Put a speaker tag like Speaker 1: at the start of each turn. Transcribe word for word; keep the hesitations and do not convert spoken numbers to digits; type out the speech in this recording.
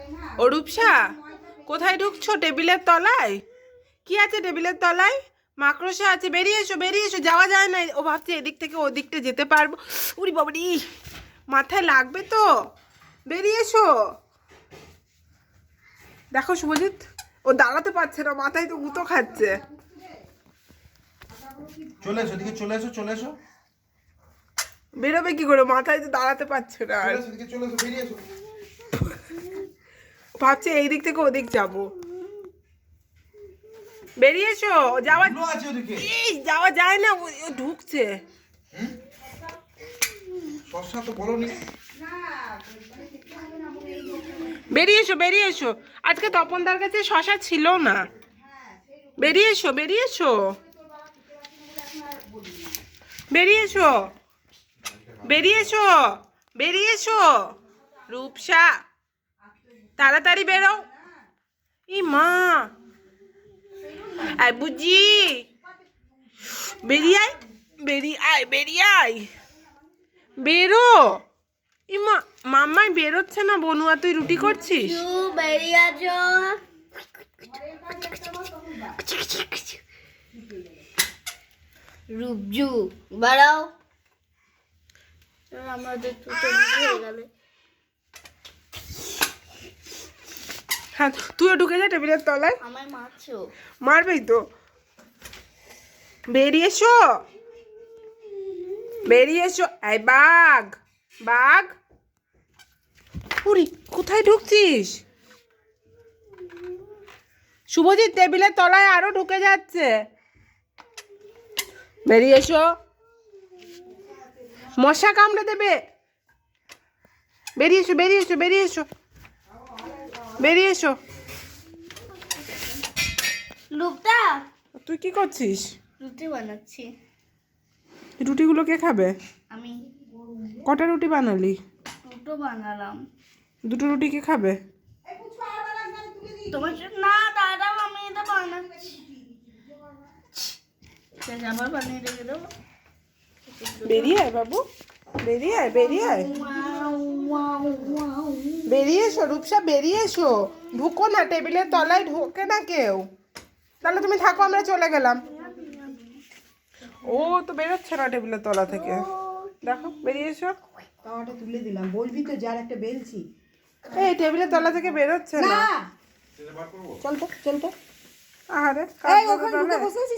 Speaker 1: ও রূপসা, কোথায় ঢুকছো? টেবিলের তলায় কি আছে? টেবিলের তলায় মাকড়সা আছে। বেরিয়ে এসো, বেরিয়ে এসো, যাওয়া যায় না। ও ভাবছে এদিক থেকে ওদিকটা যেতে পারবো। উরি বাবারি, মাথায় লাগবে তো। বেরিয়ে এসো। দেখো শুভজিৎ, ও দাঁড়াতে পারছে না, মাথায় তো গুঁতো খাচ্ছে।
Speaker 2: চলে এসো, দিকে চলে এসো, চলে এসো।
Speaker 1: বেরোবে কি করে? মাথায় তো দাঁড়াতে পারছে না। আর
Speaker 2: চলে এসো, দিকে চলে এসো, বেরিয়ে এসো।
Speaker 1: ভাবছে এই দিক থেকে ওদিক যাবো। বেরিয়ে এসো, যাওয়া
Speaker 2: ধুলো আছে ওদিকে।
Speaker 1: এই যাওয়া যায় না, ও ও ঢুকছে।
Speaker 2: শসা তো বলোনি।
Speaker 1: বেরিয়ে এসো, বেরিয়ে এসো। আজকে তপনদার কাছে শশা ছিল না। বেরিয়ে এসো, বেরিয়ে এসো, বেরিয়ে এসো, বেরিয়ে এসো, বেরিয়ে এসো। রূপসা, তাড়াতাড়ি বেরো। ই মা, আয় বুঝি, বেরিয়ে আয়, বেরিয়ে আয়, বেরিয়ে আয়, বেরো। ইমা, মাম্মাই বেরোচ্ছে না। বনুয়া, তুই রুটি করছিস?
Speaker 3: বেরিয়ে আসো। রূপজু বাড়াও। আমাদের দুটো হয়ে গেল।
Speaker 1: হ্যাঁ, তুইও ঢুকে যা টেবিলের তলায়।
Speaker 3: আমায় মারছো।
Speaker 1: মারবেই তো। বেরিয়ে এসো, বেরিয়ে এসো। এই বাঘ, বাঘ। উরি, কোথায় ঢুকছিস? শুভজিৎ, টেবিলের তলায় আরো ঢুকে যাচ্ছে। বেরিয়ে এসো, মশা কামড়ে দেবে। বেরিয়ে এসো, বেরিয়ে এসো, বেরিয়ে এসো, বেরিয়ে এসো।
Speaker 3: রূপটা,
Speaker 1: তুই কি করছিস?
Speaker 3: রুটি বানাচ্ছি।
Speaker 1: রুটিগুলো কে খাবে?
Speaker 3: আমি
Speaker 1: কটা রুটি বানালি?
Speaker 3: দুটো বানালাম।
Speaker 1: দুটো রুটি কে খাবে?
Speaker 3: তোমার জন্য- না দাদা, আমি এটা বানাচ্ছি। আবার বানিয়ে রেখে দেবো।
Speaker 1: বেরিয়ে আয় বাবু, বেরিয়ে আয়, বেরিয়ে আয়, বেরিয়ে এসো। রূপসা, বেরিয়ে এসো। ঢুকো না, টেবিলের তলায় ঢোকে না কেউ। তাহলে তুমি থাকো, আমরা চলে গেলাম। ও তো বেরোচ্ছে না টেবিলের তলা থেকে। দেখো, বেরিয়ে এসো।
Speaker 4: তাওয়াটা তুলে দিলাম, বলবি তো যার একটা বেলছি।
Speaker 1: এই টেবিলের তলা থেকে বেরোচ্ছে না।
Speaker 4: চল তো, চল তো।
Speaker 1: আরে
Speaker 4: এই ওখানে ঢুকে বসে আছিস।